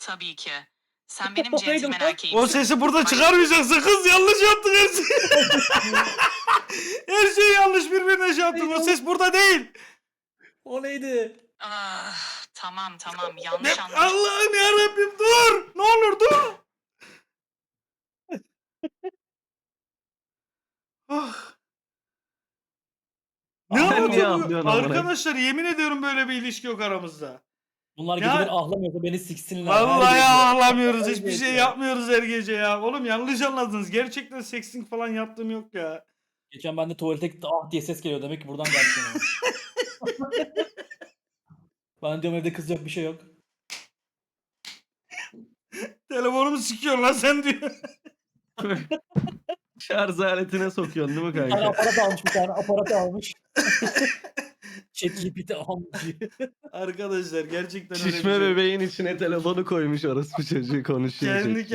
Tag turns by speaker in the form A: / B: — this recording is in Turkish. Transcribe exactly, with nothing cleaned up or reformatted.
A: Tabii ki. Sen benim
B: O neydi
A: centilmen
B: lan?
A: erkeğimsin.
C: O sesi burada
A: Bak-
C: çıkarmayacaksın kız, yanlış yaptın her şeyi. Her şeyi yanlış birbirine şey yaptın. O ses burada değil.
B: O neydi?
A: Ah, tamam tamam
C: Ne-
A: yanlış anlamış.
C: Allah'ım yarabbim dur. Ne olur dur. Ah. Ne
D: Sen niye
C: anlatıyor bu?
D: ağlıyorsun amına?
C: Arkadaşlar yemin ediyorum böyle bir ilişki yok aramızda.
B: Bunlar
C: Ya-
B: gece beni ahlamıyorsa beni siksinler. her
C: Vallahi
B: gece.
C: ağlamıyoruz.
B: Her
C: Hiçbir
B: gece.
C: şey yapmıyoruz her gece ya. Oğlum yanlış anladınız. Gerçekten sexting falan yaptığım yok ya.
B: Geçen ben de tuvalete gitti ah diye ses geliyor demek ki buradan gelmiş. yani. Ben diyorum evde kız yok bir şey yok.
C: Telefonumu sikiyor lan sen diyor.
D: Şarj aletine sokuyorsun değil mi
B: Bir tane
D: kanka?
B: aparat almış bir tane aparat almış. ChatGPT almış.
C: Arkadaşlar gerçekten öyle bir
D: Şişme
C: şey.
D: bebeğin içine telefonu koymuş orospu çocuğu konuşuyor.
C: Kendi